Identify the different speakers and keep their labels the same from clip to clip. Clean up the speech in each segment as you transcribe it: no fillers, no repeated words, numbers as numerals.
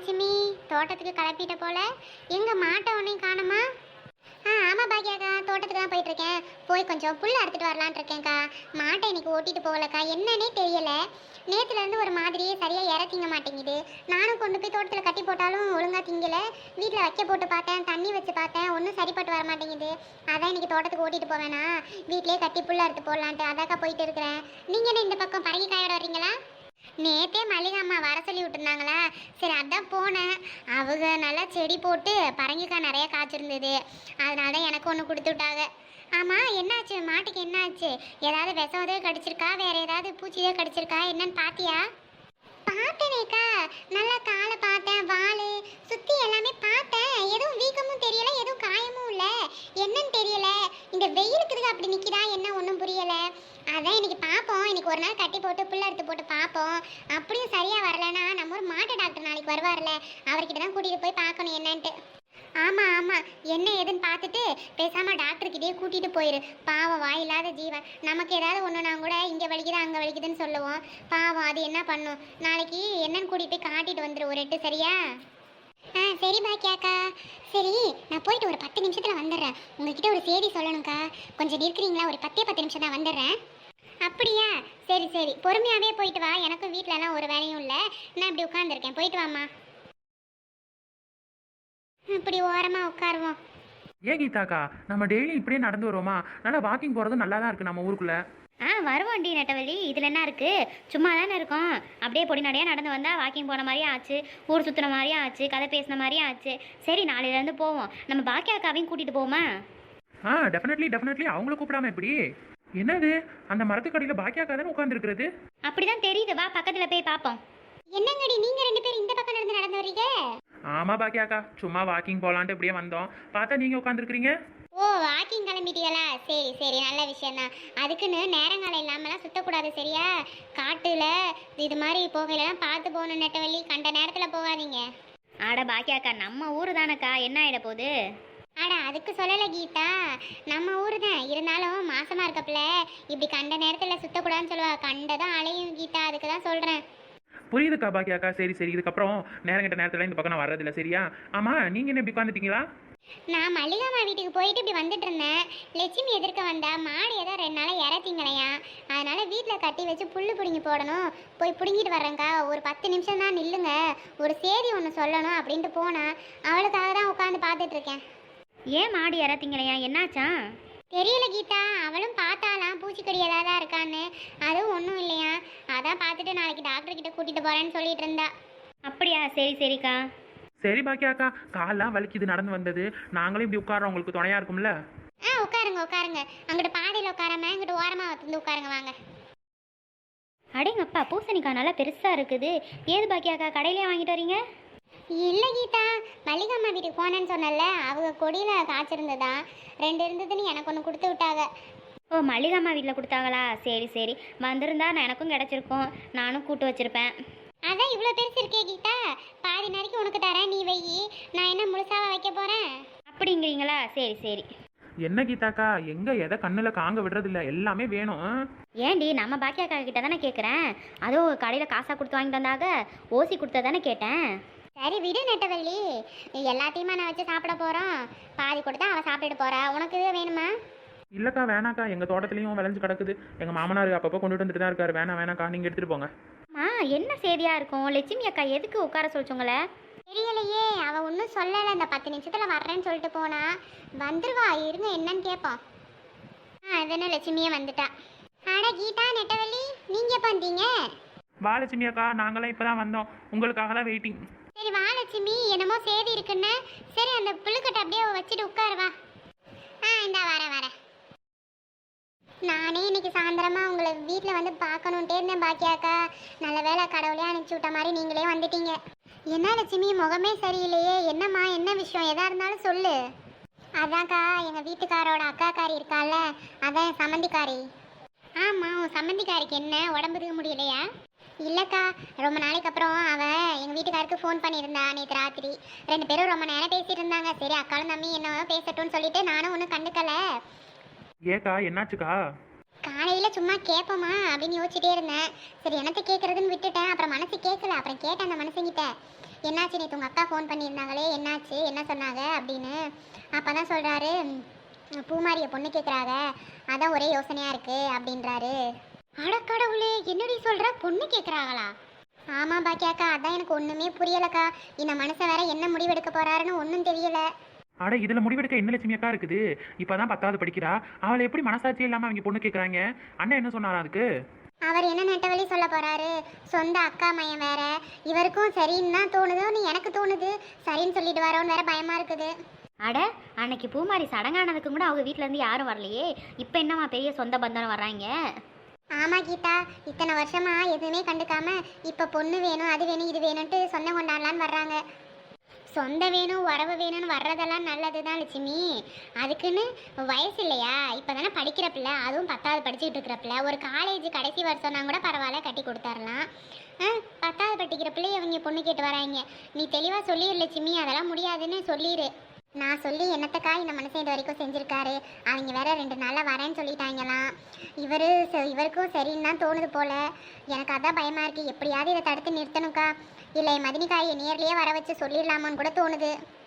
Speaker 1: லட்சுமி, தோட்டத்துக்கு கிளப்பிட்ட போல. எங்க மாட்டை ஒன்றையும் காணுமா? ஆமாம் பாக்கியாக்கா, தோட்டத்துக்கு தான் போயிட்டுருக்கேன். போய் கொஞ்சம் புல் அறுத்துட்டு வரலான் இருக்கேன்க்கா. மாட்டை இன்னைக்கு ஓட்டிட்டு போகலக்கா, என்னன்னே தெரியலை. நேற்றுலேருந்து ஒரு மாதிரியே சரியாக இற திங்க மாட்டேங்குது. நானும் கொண்டு போய் தோட்டத்தில் கட்டி போட்டாலும் ஒழுங்காக திங்கலை. வீட்டில் வைக்க போட்டு பார்த்தேன், தண்ணி வச்சு பார்த்தேன், ஒன்றும் சரிப்பட்டு வர மாட்டேங்குது. அதான் இன்னைக்கு தோட்டத்துக்கு ஓட்டிட்டு போவேனா, வீட்டிலே கட்டி புல் அறுத்து போடலான்ட்டு அதாக்கா போயிட்டு இருக்கிறேன். நீங்கள் என்ன இந்த பக்கம் பறங்கி காயோட வரீங்களா? நேற்றே மல்லிகை அம்மா வர சொல்லி விட்டுருந்தாங்களா, சரி அதான் போனேன். அவங்க நல்லா செடி போட்டு பரங்கிக்காய் நிறைய காய்ச்சிருந்தது, அதனால தான் எனக்கு ஒன்று கொடுத்து விட்டாங்க. ஆமாம், என்னாச்சு மாட்டுக்கு? என்னாச்சு? ஏதாவது விஷம் கடிச்சிருக்கா, வேற ஏதாவது பூச்சியோ கடிச்சிருக்கா, என்னன்னு பார்த்தியா? பார்த்தேனேக்கா, நல்லா காலை பார்த்தேன், வால் சுற்றி எல்லாமே பார்த்தேன். எதுவும் வீக்கமும் தெரியல, எதுவும் காயமும் இல்லை. என்னன்னு தெரியல, இந்த வெயிலுக்கு அப்படி நிற்கிறா என்ன ஒன்றும் புரியலை. அதான் இன்னைக்கு பார்ப்போம், இன்னைக்கு ஒரு நாள் கட்டி போட்டு புல் எடுத்து போட்டு பார்ப்போம். அப்படியும் சரியாக வரலன்னா நம்ம ஒரு மாட்டு டாக்டர் நாளைக்கு வருவார்ல, அவர்கிட்ட தான் கூட்டிகிட்டு போய் பார்க்கணும் என்னன்ட்டு. ஆமாம் ஆமாம், என்ன ஏதுன்னு பார்த்துட்டு பேசாமல் டாக்டர்கிட்டே கூட்டிகிட்டு போயிரு. பாவம், வாயில்லாத ஜீவன். நமக்கு ஏதாவது ஒன்றுனா கூட இங்கே வலிக்குது அங்கே வலிக்குதுன்னு சொல்லுவோம். பாவம், அது என்ன பண்ணும்? நாளைக்கு என்னன்னு கூட்டிகிட்டு போய் காட்டிட்டு வந்துடு ஒரு எட்டு, சரியா? சரி பாக்கியாக்கா. சரி, நான் போயிட்டு ஒரு 10 நிமிஷத்தில் வந்துடுறேன். உங்ககிட்ட ஒரு செய்தி சொல்லணும்க்கா, கொஞ்சம் இருக்கிறீங்களா? ஒரு 10 நிமிஷம் தான் வந்துடுறேன். அப்படியா? சரி சரி, பொறுமையாகவே போயிட்டு வா. எனக்கும் வீட்டிலலாம் ஒரு வேலையும் இல்லை, நான் இப்படி உட்காந்துருக்கேன். போயிட்டு வாம்மா. இப்படி ஓரமாக உட்காருவோம்.
Speaker 2: ஏன் கீதாக்கா, நம்ம டெய்லி இப்படியே நடந்து வருவோமா? நல்லா வாக்கிங் போகிறதும் நல்லா தான் இருக்குது நம்ம ஊருக்குள்ளே.
Speaker 3: வருவோண்டி நெட்டவள்ளி, இதில் என்ன இருக்குது? சும்மா தானே இருக்கோம். அப்படியே பொடி நடையாக நடந்து வந்தால் வாக்கிங் போன மாதிரியும் ஆச்சு, ஊர் சுற்றுன மாதிரியும் ஆச்சு, கதை பேசின மாதிரியும் ஆச்சு. சரி, நாளையிலேருந்து போவோம். நம்ம பாக்கியாக்காவையும் கூட்டிகிட்டு போவோமா?
Speaker 2: டெஃபினெட்லி அவங்கள கூப்பிடாம எப்படி? என்னது, அந்த மரத்துக்கடியில் பாக்கியாக்கா தானே உட்காந்துருக்கிறது?
Speaker 3: அப்படிதான் தெரியுது, வா பக்கத்தில் போய் பார்ப்போம்.
Speaker 1: என்னங்கடி நீங்கள் 2 பேரும் இந்த பக்கம் நடந்து வரீங்க?
Speaker 2: ஆமாம் பாக்கியாக்கா, சும்மா வாக்கிங் போகலான்ட்டு இப்படியே வந்தோம். பார்த்தா நீங்கள் உட்காந்துருக்கிறீங்க.
Speaker 1: ஓ, வாக்கிங் கிளம்பிட்டீங்களா? சரி சரி, நல்ல விஷயந்தான். அதுக்குன்னு நேரங்காலம் இல்லாமலாம் சுற்றக்கூடாது, சரியா? காட்டில் இது மாதிரி போகையிலலாம் பார்த்து போகணும் நெட்டவள்ளி, கண்ட நேரத்தில் போகாதீங்க.
Speaker 3: ஆட பாக்கியாக்கா, நம்ம ஊர் தானக்கா, என்ன ஆகிட போகுது?
Speaker 1: அதுக்கு சொல்லலை கீதா, நம்ம ஊர் தான் இருந்தாலும் மாசமாக இருக்கப்பல இப்படி கண்ட நேரத்தில் சுற்றக்கூடாதுன்னு சொல்லுவா. கண்டதான் அலையும் கீதா, அதுக்கு தான் சொல்கிறேன்.
Speaker 2: புரியுதுக்கா பாக்கியாக்கா, சரி சரி, இதுக்கப்புறம் நேரங்கிட்ட நேரத்தில் இந்த பக்கம் நான் வர்றதில்ல, சரியா? ஆமாம், நீங்கள் என்ன இப்படி உட்காந்துட்டீங்களா?
Speaker 1: நான் மல்லிகாமா வீட்டுக்கு போயிட்டு இப்படி வந்துட்டு இருந்தேன். லட்சுமி எதிர்க்க வந்தா. மாடு ஏதோ 2 நாளாக இறத்திங்களையா, அதனால வீட்டில் கட்டி வச்சு புல் பிடுங்கி போடணும், போய் பிடுங்கிட்டு வர்றேங்க்கா, ஒரு 10 நிமிஷம் தான் நில்லுங்க, ஒரு செய்தி ஒன்று சொல்லணும் அப்படின்ட்டு போனா. அவளுக்காக தான் உட்காந்து பார்த்துட்டு இருக்கேன்.
Speaker 3: ஏன் மாடு இறத்திங்களையா, என்னாச்சா?
Speaker 1: தெரியல கீதா, அவளும் பார்த்தாலாம் பூச்சிக்கடி ஏதாவது இருக்கான்னு. அதுவும் ஒன்றும் இல்லையா, அதான் பார்த்துட்டு நாளைக்கு டாக்டர் கிட்ட கூட்டிட்டு போறேன்னு சொல்லிட்டு இருந்தா.
Speaker 3: அப்படியா? சரி சரிக்கா.
Speaker 2: சரி பாக்கியாக்கா, காலெலாம் வலிக்குது நடந்து வந்தது. நாங்களும் இப்படி உட்காரோம், உங்களுக்கு துணையாக இருக்கும்ல?
Speaker 1: உட்காருங்க உட்காருங்க, அங்கிட்ட பாதையில் உட்காராம இங்கிட்ட ஓரமாக வந்து உட்காருங்க, வாங்க.
Speaker 3: அடேங்கப்பா, பூசணிக்காய் நல்லா பெருசாக இருக்குது. ஏது பாக்கியாக்கா, கடையிலே வாங்கிட்டு வரீங்க?
Speaker 1: இல்லை கீதா, மல்லிகாம்மா வீட்டுக்கு போனேன்னு சொன்னல, அவங்க கொடியில் காய்ச்சிருந்ததா, 2 இருந்ததுன்னு எனக்கு ஒன்று கொடுத்து விட்டாங்க.
Speaker 3: ஓ, மல்லிகாம்மா வீட்டில் கொடுத்தாங்களா? சரி சரி, வந்திருந்தா நான் எனக்கும் கிடச்சிருக்கும், நானும் கூட்டு வச்சுருப்பேன்.
Speaker 1: அதான் இவ்வளோ பெருசு இருக்கே கீதா, பாதி நாளைக்கு உனக்கு தரேன், நீ வை. நான் என்ன முழுசாவா வைக்க போகிறேன்?
Speaker 3: அப்படிங்கிறீங்களா? சரி சரி.
Speaker 2: என்ன கீதாக்கா, எங்கே எதை கண்ணில் காங்க விடுறதில்ல, எல்லாமே வேணும்.
Speaker 3: ஏண்டி, நம்ம பாக்கியாக்கா கிட்ட தானே கேட்குறேன். அதுவும் கடையில் காசாக கொடுத்து வாங்கிட்டு வந்தாக, ஓசி கொடுத்தா தானே கேட்டேன்.
Speaker 1: சரி விடு நெட்டவள்ளி, எல்லாத்தையுமா நான் வச்சு சாப்பிட போகிறோம். பாதி கொடுத்தா அவள் சாப்பிட்டுட்டு போகிறா. உனக்கு வேணுமா?
Speaker 2: இல்லைக்கா வேணாக்கா, எங்கள் தோட்டத்துலேயும் விளைஞ்சு கிடக்குது. எங்கள் மாமனார் அப்பப்போ கொண்டுட்டு வந்துட்டு தான் இருக்காரு. வேணாக்கா, நீங்கள் எடுத்துகிட்டு போங்க.
Speaker 3: என்ன செய்தியாக இருக்கும்? லட்சுமி அக்கா எதுக்கு உட்கார சொல்லிச்சோங்களே?
Speaker 1: தெரியலையே, அவள் ஒன்றும் சொல்லலை. இந்த 10 நிமிஷத்தில் வர்றேன்னு சொல்லிட்டு போனா. வந்துருவா, இருங்க என்னன்னு கேட்போம். அது என்ன, லட்சுமியே வந்துட்டா. கீதா நெட்டவள்ளி, நீங்கள் எப்போ வந்தீங்க?
Speaker 2: வா லட்சுமி அக்கா, நாங்களாம் இப்போ தான் வந்தோம், உங்களுக்காக தான் வெயிட்டிங்.
Speaker 1: சரி வா லட்சுமி, என்னமோ செய்தி இருக்குன்னு. சரி, அந்த புல்லுக்கட்டை அப்படியே வச்சுட்டு உட்காருவா. இந்தா வரேன். நானே இன்னைக்கு சாயந்தரமா உங்களை வீட்டில் வந்து பார்க்கணுன்ட்டே இருந்தேன் பாக்கியாக்கா. நல்ல வேலை, கடவுளே அனுப்பிச்சி விட்ட மாதிரி நீங்களே வந்துட்டீங்க. என்ன லட்சுமி, முகமே சரியில்லையே, என்னம்மா, என்ன விஷயம்? எதா இருந்தாலும் சொல்லு. அதான்க்கா, எங்கள் வீட்டுக்காரோட அக்காக்காரி இருக்கால, அதான் என் சம்மந்திக்காரி. ஆமாம், உன் சம்மந்திக்காரிக்கு என்ன, உடம்புக்கு முடியலையா? இல்லைக்கா, ரொம்ப நாளைக்கு அப்புறம் அவள் எங்கள் வீட்டுக்காருக்கு ஃபோன் பண்ணியிருந்தா நேற்று ராத்திரி. 2 பேரும் ரொம்ப நேரம் பேசிட்டு இருந்தாங்க. சரி, அக்காலும் தம்பி என்ன பேசட்டும்னு சொல்லிட்டு நானும் ஒன்றும் கண்டுக்கலை.
Speaker 2: ஏக்கா, என்னாச்சுக்கா?
Speaker 1: காலையில் சும்மா கேட்போமா அப்படின்னு யோசிச்சுட்டே இருந்தேன். சரி என்னத்தை கேட்குறதுன்னு விட்டுட்டேன். அப்புறம் மனசு கேட்கல. அப்புறம் கேட்டேன் அந்த மனுஷங்கிட்ட, என்னாச்சு நேற்று உங்கள் அக்கா ஃபோன் பண்ணியிருந்தாங்களே, என்னாச்சு, என்ன சொன்னாங்க அப்படின்னு. அப்போ தான் சொல்கிறாரு, பூமாரியை பொண்ணு கேட்குறாங்க, அதான் ஒரே யோசனையாக இருக்குது அப்படின்றாரு. அடக்கடவுளே, என்னடி சொல்கிற, பொண்ணு கேட்குறாங்களா? ஆமாம் பாக்கியாக்கா, அதான் எனக்கு ஒன்றுமே புரியலக்கா. இந்த மனுஷன் வேற என்ன முடிவெடுக்க போகிறாருன்னு ஒன்றும் தெரியலை.
Speaker 2: அட இதுல முடிவெடுக்க என்ன லட்சுமி அக்கா இருக்குது? இப்பதான் 10வது படிக்கிறா. அவளை எப்படி மனசாட்சி இல்லாம அவங்க பொண்ணு கேட்கறாங்க? அண்ணன் என்ன சொன்னாரா அதுக்கு?
Speaker 1: அவர் என்ன நெட்டவழி சொல்ல போறாரு, சொந்த அக்கா மையன் வேற, இவருக்கும் சரின்னு தான் தோணுதுன்னு எனக்கு தோணுது. சரின்னு சொல்லிட்டு வரோன்னு வேற பயமா இருக்குது.
Speaker 3: அட அன்னைக்கு பூமாரி சடங்கானதுக்கு கூட அவங்க வீட்ல இருந்து யாரும் வரலையே, இப்போ என்னம்மா பெரிய சொந்த பந்தம் வர்றாங்க?
Speaker 1: ஆமா கீதா, இத்தனை வருஷமா எதுவுமே கண்டுக்காம இப்ப பொண்ணு வேணும், அது வேணும், இது வேணும்ட்டு சொந்தம் கொண்டாடலான்னு வர்றாங்க. சொந்த வேணும், உறவு வேணும்னு வர்றதெல்லாம் நல்லது தான் லட்சுமி. அதுக்குன்னு வயசு இல்லையா? இப்போ தானே படிக்கிற பிள்ளை, அதுவும் 10வது படிச்சுக்கிட்டு இருக்கிற பிள்ளை. ஒரு காலேஜ் கடைசி வருஷம்னா கூட பரவாயில்ல, கட்டி கொடுத்துர்லாம். 10வது படிக்கிற பிள்ளைய அவங்க பொண்ணு கேட்டு வராங்க. நீ தெளிவாக சொல்லிடு லட்சுமி, அதெல்லாம் முடியாதுன்னு சொல்லிடு. நான் சொல்லி என்னத்தக்கா இந்த மனுஷன் இது வரைக்கும் செஞ்சுருக்காரு. அவங்க வேற 2 நாளில் வரேன்னு சொல்லிட்டாங்களாம். இவருக்கும் சரின்னு தான் தோணுது போல. எனக்கு அதான் பயமாக இருக்குது. எப்படியாவது இதை தடுத்து நிறுத்தணுக்கா. இல்லை மதினிக்காயை நேர்லேயே வர வச்சு சொல்லிடலாமான்னு கூட தோணுது.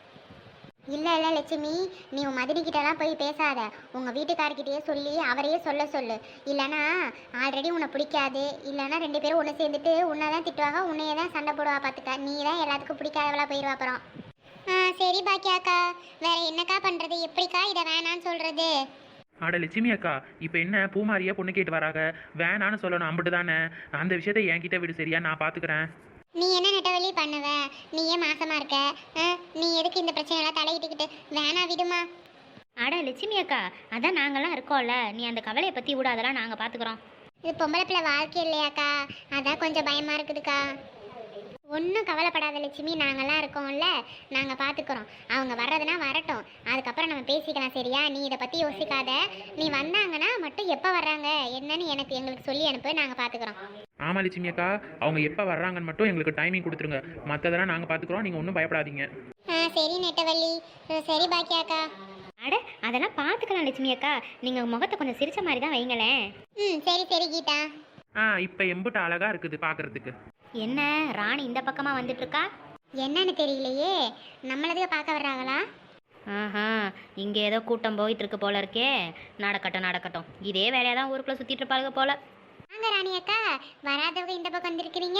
Speaker 1: இல்லை இல்லை லட்சுமி, நீ உன் மதினிக்கிட்டலாம் போய் பேசாத. உங்கள் வீட்டுக்காரர்கிட்டயே சொல்லி அவரையே சொல்லு. இல்லைனா ஆல்ரெடி உன்னை பிடிக்காது, இல்லைனா 2 பேரும் ஒன்று சேர்ந்துட்டு உன்னை தான் திட்டுவாங்க, உன்னையே தான் சண்டை போடுவா. பார்த்துக்க, நீ தான் எல்லாத்துக்கும் பிடிக்காதவளா போயிடுவா அப்புறம். சரி பாக்கியாக்கா, வேற என்னக்கா பண்ணுறது? எப்படிக்கா இதை வேணான்னு சொல்கிறது?
Speaker 2: அட லட்சுமி அக்கா, இப்போ என்ன பூமாரியா பொண்ணு கேட்டு வராங்க, வேணான்னு சொல்லணும், அம்பிட்டு தானே. அந்த விஷயத்த என்கிட்ட விடு, சரியா? நான் பார்த்துக்கிறேன்.
Speaker 1: நீ என்ன நெட்டவழி பண்ணுவ? நீ ஏன் மாசமா இருக்க? நீ எதுக்கு இந்த பிரச்சனையெல்லாம் தலையிட்டுக்கிட்டு? வேணா விடுமா.
Speaker 3: அட லட்சுமி அக்கா, அதான் நாங்கள்லாம் இருக்கோம்ல, நீ அந்த கவலையை பற்றி விட, அதெல்லாம் நாங்கள் பார்த்துக்குறோம்.
Speaker 1: இது பொம்பளை பிள்ளை வாழ்க்கை இல்லையாக்கா, அதான் கொஞ்சம் பயமா இருக்குதுக்கா. ஒன்றும் கவலைப்படாத லட்சுமி, நாங்கள்லாம் இருக்கோம்ல, நாங்கள் பார்த்துக்குறோம். அவங்க வர்றதுனா வரட்டும், அதுக்கப்புறம் நம்ம பேசிக்கலாம், சரியா? நீ இதை பற்றி யோசிக்காத. நீ வந்தாங்கன்னா மட்டும் எப்போ வர்றாங்க என்னன்னு எங்களுக்கு சொல்லி அனுப்பு, நாங்கள் பார்த்துக்குறோம்.
Speaker 2: ஆமா லட்சுமி அக்கா, அவங்க எப்போ வர்றாங்கன்னு மட்டும் எங்களுக்கு டைமிங் கொடுத்துருங்க. மற்றதெல்லாம் நாங்கள் பார்த்துக்குறோம், நீங்கள் ஒன்றும் பயப்படாதீங்க.
Speaker 1: சரி நெட்டவள்ளி, சரி பாக்கியாக்கா.
Speaker 3: அட அதெல்லாம் பார்த்துக்கலாம் லட்சுமி அக்கா, நீங்கள் முகத்தை கொஞ்சம் சிரிச்ச மாதிரி தான் வைங்களேன்.
Speaker 1: சரி கீதா.
Speaker 2: இப்போ எம்பிட்டு அழகா இருக்குது பார்க்கறதுக்கு.
Speaker 3: என்ன ராணி இந்த பக்கமாக வந்துட்டு இருக்கா?
Speaker 1: என்னன்னு தெரியலையே, நம்மளதுக்கு பார்க்க வர்றாங்களா?
Speaker 3: ஆஹா, இங்கே ஏதோ கூட்டம் போயிட்டு இருக்கு போல இருக்கே. நடக்கட்டும், இதே வேலையாக தான் ஊருக்குள்ளே சுற்றிட்டு இருப்பாளுங்க போல.
Speaker 1: வாங்க ராணி அக்கா, வராதவங்க இந்த பக்கம் வந்திருக்கிறீங்க.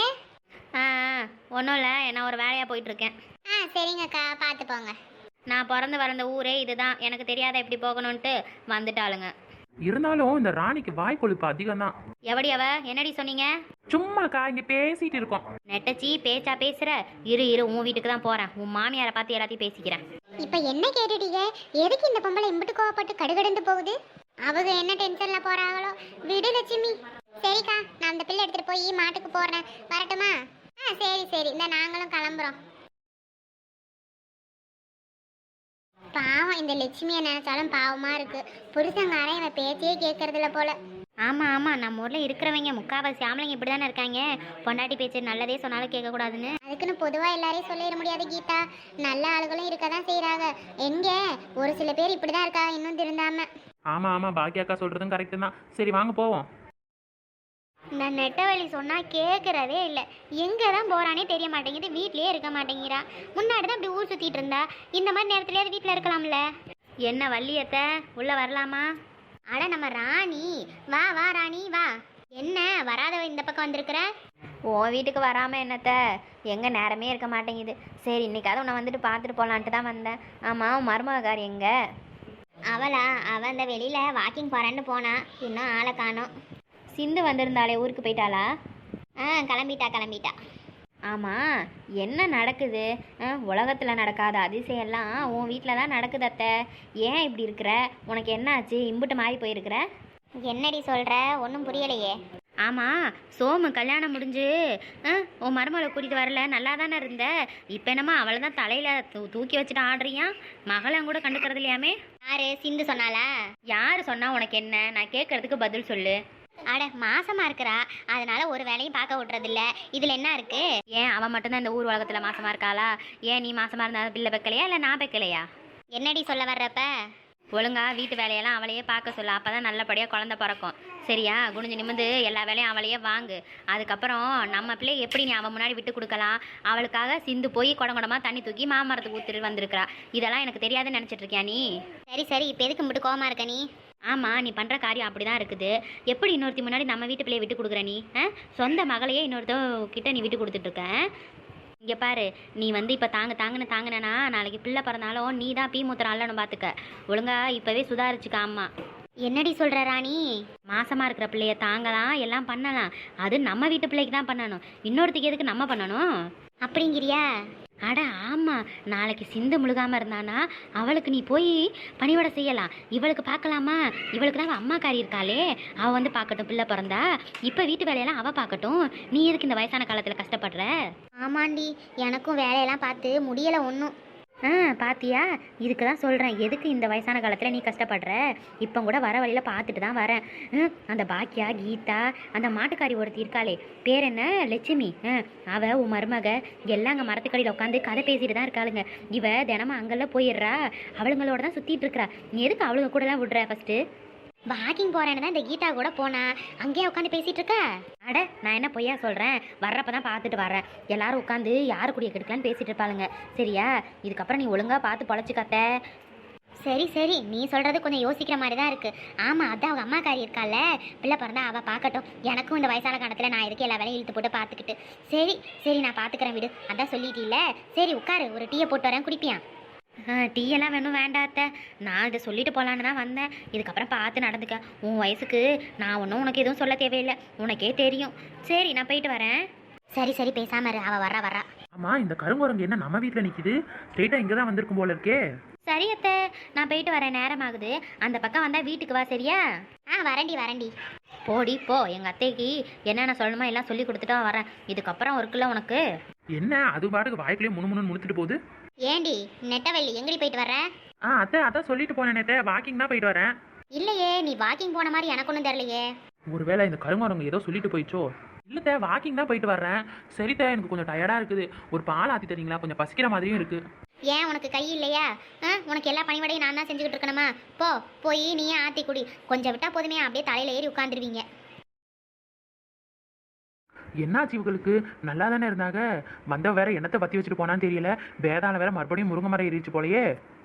Speaker 3: ஒன்றும் இல்லை, நான் ஒரு வேலையாக போயிட்டுருக்கேன்.
Speaker 1: சரிங்கக்கா, பார்த்து போங்க.
Speaker 3: நான் பிறந்து வளர்ந்த ஊரே இதுதான், எனக்கு தெரியாத எப்படி போகணுன்ட்டு வந்துட்டாளுங்க.
Speaker 2: இருந்தாலும் இந்த ராணிக்கு வாய் கொழுப்பு அதிகம் தான்.
Speaker 3: எவடி அவ? என்னடி சொன்னீங்க?
Speaker 2: சும்மாக்கா இங்கே பேசிட்டு இருக்கோம்.
Speaker 3: நெட்டச்சி பேச்சா பேசுற? இரு உன் வீட்டுக்கு தான் போகிறேன், உன் மாமியாரை பார்த்து எல்லாத்தையும் பேசிக்கிறேன்.
Speaker 1: இப்போ என்ன கேட்டுட்டீங்க? எதுக்கு இந்த பொம்பளை இம்பிட்டு கோவப்பட்டு கடுகடுந்து போகுது? அவங்க என்ன டென்ஷன்ல போறாங்களோ. விடு லட்சுமி. சரிக்கா, நான் அந்த பிள்ளை எடுத்துட்டு போய் மாட்டுக்கு போடுறேன், வரட்டுமா? சரி, இந்த நாங்களும் கிளம்புறோம். பாவம், இந்த லட்சுமியை நினைச்சாலும் பாவமா இருக்கு. புருஷங்காரன் இவன் பேச்சையே கேட்கறதில்ல போல.
Speaker 3: ஆமாம், நம்ம ஊரில் இருக்கிறவங்க முக்காவாசி ஆம்பளைங்க இப்படி தானே இருக்காங்க. பொண்டாட்டி பேச்சு நல்லதே சொன்னாலும் கேட்கக்கூடாதுன்னு.
Speaker 1: அதுக்குன்னு பொதுவாக எல்லாரையும் சொல்லிட முடியாது கீதா. நல்ல ஆளுகளும் இருக்க தான் செய்கிறாங்க. எங்க ஒரு சில பேர் இப்படி தான் இருக்காங்க, இன்னும் திருந்தாம.
Speaker 2: ஆமா பாக்கியாக்கா சொல்றதும் கரெக்டு தான். சரி வாங்க போவோம்.
Speaker 3: இந்த நெட்டவழி சொன்னால் கேட்குறதே இல்லை. எங்கே தான் போகிறானே தெரிய மாட்டேங்குது, வீட்லேயே இருக்க மாட்டேங்கிறா. முன்னாடி தான் இப்படி ஊர் சுற்றிட்டு இருந்தா, இந்த மாதிரி நேரத்துலேயாவது வீட்டில் இருக்கலாம்ல. என்ன வள்ளியத்தை உள்ளே வரலாமா? அட நம்ம ராணி, வா ராணி வா. என்ன வராதவ இந்த பக்கம் வந்திருக்கிற? உன் வீட்டுக்கு வராமல் என்னத்த, எங்கே நேரமே இருக்க மாட்டேங்குது. சரி இன்னைக்காவது உன்னை வந்துட்டு பார்த்துட்டு போகலான்ட்டு தான் வந்தேன். ஆமாம், உன் மருமகார் எங்கே?
Speaker 1: அவளா? அவள் அந்த வெளியில் வாக்கிங் போகிறான்னு போனா, இன்னும் ஆளை காணோம்.
Speaker 3: சிந்து வந்திருந்தாலே ஊருக்கு போயிட்டாளா?
Speaker 1: கிளம்பிட்டா.
Speaker 3: ஆமாம், என்ன நடக்குது? உலகத்தில் நடக்காத அதிசயம்லாம் உன் வீட்டில் தான் நடக்குது அத்தை. ஏன் இப்படி இருக்கிற? உனக்கு என்ன ஆச்சு? இம்புட்டு மாறி போயிருக்கிற?
Speaker 1: என்னடி சொல்கிற? ஒன்றும் புரியலையே.
Speaker 3: ஆமாம், சோமு கல்யாணம் முடிஞ்சு உன் மருமகளை கூட்டிகிட்டு வரல, நல்லா தானே இருந்த. இப்போ என்னம்மா அவளை தான் தலையில் தூக்கி வச்சுட்டு ஆடுறியா? மகளும் கூட கண்டுக்கிறது இல்லையாமே?
Speaker 1: யாரு? சிந்து சொன்னாலா?
Speaker 3: யார் சொன்னா உனக்கு என்ன? நான் கேட்கறதுக்கு பதில் சொல்லு.
Speaker 1: அட மாசமா இருக்கிறா, அதனால ஒரு வேலையும் பார்க்க விட்றதில்ல. இதில் என்ன இருக்கு?
Speaker 3: ஏன் அவன் மட்டும்தான் இந்த ஊர் உலகத்தில் மாசமா இருக்காளா? ஏன் நீ மாசமா இருந்தா பிள்ளை வைக்கலையா இல்லை நான் வைக்கலையா?
Speaker 1: என்னடி சொல்ல வர்றப்ப?
Speaker 3: ஒழுங்கா வீட்டு வேலையெல்லாம் அவளையே பார்க்க சொல்ல, அப்போ தான் நல்லபடியாக குழந்தை பிறக்கும். சரியா? குனிஞ்சு நிமிந்து எல்லா வேலையும் அவளையே வாங்கு. அதுக்கப்புறம் நம்ம பிள்ளை எப்படி நீ அவன் முன்னாடி விட்டு கொடுக்கலாம்? அவளுக்காக சிந்து போய் குடங்குடமாக தண்ணி தூக்கி மாமரத்துக்கு ஊற்றிட்டு வந்திருக்கிறா. இதெல்லாம் எனக்கு தெரியாதுன்னு நினச்சிட்டு இருக்கியா நீ?
Speaker 1: சரி சரி, இப்போ எதுக்கு மட்டும் கோவமா இருக்க நீ?
Speaker 3: ஆமாம், நீ பண்ணுற காரியம் அப்படி தான் இருக்குது. எப்படி இன்னொருத்தி முன்னாடி நம்ம வீட்டு பிள்ளையை விட்டு கொடுக்குற நீ? சொந்த மகளையே இன்னொருத்தக்கிட்ட நீ விட்டு கொடுத்துட்ருக்க. இங்கே பாரு, நீ வந்து இப்போ தாங்கினேன்னா நாளைக்கு பிள்ளை பிறந்தாலும் நீ தான் பீ மூத்திரம் அல்லன்னு பார்த்துக்க. ஒழுங்கா இப்போவே சுதாரிச்சுக்க. ஆமா,
Speaker 1: என்னடி சொல்ற ராணி?
Speaker 3: மாசமாக இருக்கிற பிள்ளைய தாங்கலாம், எல்லாம் பண்ணலாம். அது நம்ம வீட்டு பிள்ளைக்கு தான் பண்ணணும். இன்னொருத்திக்கு எதுக்கு நம்ம பண்ணணும்?
Speaker 1: அப்படிங்கிறியா?
Speaker 3: அட ஆமாம், நாளைக்கு சிந்து முழுகாமல் இருந்தானா அவளுக்கு நீ போய் பணிவிட செய்யலாம். இவளுக்கு பார்க்கலாமா? இவளுக்கு தான் அவள் அம்மாக்காரி இருக்காளே, அவள் வந்து பார்க்கட்டும் பிள்ளை பிறந்தா. இப்போ வீட்டு வேலையெல்லாம் அவள் பார்க்கட்டும். நீ எதுக்கு இந்த வயசான காலத்தில் கஷ்டப்படுற?
Speaker 1: ஆமாண்டி, எனக்கும் வேலையெல்லாம் பார்த்து முடியலை ஒன்றும்.
Speaker 3: பாத்தியா? இதுக்கு தான் சொல்கிறேன், எதுக்கு இந்த வயசான காலத்தில் நீ கஷ்டப்படுற? இப்போ கூட வர வழியில் பார்த்துட்டு தான் வரேன். அந்த பாக்கியா, கீதா, அந்த மாட்டுக்காரி ஒருத்தி இருக்காளே, பேர் என்ன, லட்சுமி. அவள் உன் மருமக எல்லாம் அங்கே மரத்துக்கடியில் உட்காந்து கதை பேசிட்டு தான் இருக்காளுங்க. இவ தினமும் அங்கெல்லாம் போயிடுறா, அவளுங்களோட தான் சுற்றிட்டு இருக்கிறா. நீ எதுக்கு அவளுங்க கூடலாம் விடுற? ஃபஸ்ட்டு
Speaker 1: வாக்கிங் போறேன்னு தான் இந்த கீதா கூட போனா, அங்கேயே உட்காந்து பேசிட்டு இருக்க.
Speaker 3: அட நான் என்ன பொய்யா சொல்கிறேன்? வர்றப்ப தான் பார்த்துட்டு வரேன். எல்லாரும் உட்காந்து யாரு கூடிய கெடுக்கலான்னு பேசிட்டு இருப்பாளுங்க. சரியா? இதுக்கப்புறம் நீ ஒழுங்காக பார்த்து பொழைச்சிக்காத்த.
Speaker 1: சரி சரி, நீ சொல்றது கொஞ்சம் யோசிக்கிற மாதிரி தான் இருக்கு. ஆமா, அதான் அவங்க அம்மாக்காரி இருக்கால, பிள்ளை பிறந்தா அவ பார்க்கட்டும். எனக்கும் இந்த வயசான காலத்துல நான் எதுக்கு எல்லா வேலையும் இழுத்து போட்டு பார்த்துக்கிட்டு. சரி சரி, நான் பார்த்துக்கிறேன் விடு. அதான் சொல்லிட்டீல்ல. சரி உட்காரு, ஒரு டீயை போட்டு வரேன், குடிப்பியா?
Speaker 3: டீ எல்லாம் வேணும் வேண்டாத்த. நான் இதை சொல்லிட்டு போகலான்னு தான் வந்தேன். இதுக்கப்புறம் பார்த்து நடந்துக்க. உன் வயசுக்கு நான் ஒன்றும் உனக்கு எதுவும் சொல்ல தேவையில்லை, உனக்கே தெரியும். சரி, நான் போயிட்டு வரேன்.
Speaker 1: சரி சரி, பேசாம இரு, அவ வர்றா.
Speaker 2: ஆமாம், இந்த கருங்குரங்கு என்ன நம்ம வீட்டில் நிற்கிது? ஸ்ட்ரெயிட்டாக இங்கே தான் வந்திருக்கும் போல இருக்கே.
Speaker 3: சரி அத்தை, நான் போயிட்டு வரேன், நேரம் ஆகுது. அந்த பக்கம் வந்தால் வீட்டுக்கு வா, சரியா?
Speaker 1: வரேன்டி.
Speaker 3: போடி போ. எங்கள் அத்தைக்கு என்னென்ன சொல்லணுமோ எல்லாம் சொல்லி கொடுத்துட்டா வரேன். இதுக்கப்புறம் இருக்குல்ல உனக்கு.
Speaker 2: என்ன அது பாட்டுக்கு வாய்க்குள்ளேயே முணுமுணுன்னு முடிச்சுட்டு போகுது?
Speaker 1: ஏண்டி நெட்டவள்ளி, எங்கடி போயிட்டு வர்ற?
Speaker 2: அத்தை அதான் சொல்லிட்டு போனேன் நேத்தே, வாக்கிங் தான் போயிட்டு வரேன்.
Speaker 1: இல்லையே, நீ வாக்கிங் போன மாதிரி எனக்கு ஒன்றும் தெரியலையே.
Speaker 2: ஒருவேளை இந்த கருங்குரங்கு ஏதோ சொல்லிட்டு போயிச்சோ? இல்லைத்தே, வாக்கிங் தான் போயிட்டு வர்றேன். சரித்தே, எனக்கு கொஞ்சம் டயர்டாக இருக்குது. ஒரு பால் ஆற்றி தரீங்களா? கொஞ்சம் பசிக்கிற மாதிரியும் இருக்குது.
Speaker 1: ஏன் உனக்கு கை இல்லையா? உனக்கு எல்லா பணிவிடையும் நான் தான் செஞ்சுக்கிட்டு இருக்கணுமா? போய் நீயே ஆற்றி குடி. கொஞ்சம் விட்டா போதுமே, அப்படியே தலையில் ஏறி உட்காந்துருவீங்க.
Speaker 2: என்னாச்சு இவங்களுக்கு? நல்லா தானே இருந்தாங்க. வந்த வேற என்னத்தை பற்றி வச்சுட்டு போனான்னு தெரியல. வேதாளம் வேற மறுபடியும் முருங்கை மரம் ஏறிச்சு போலயே.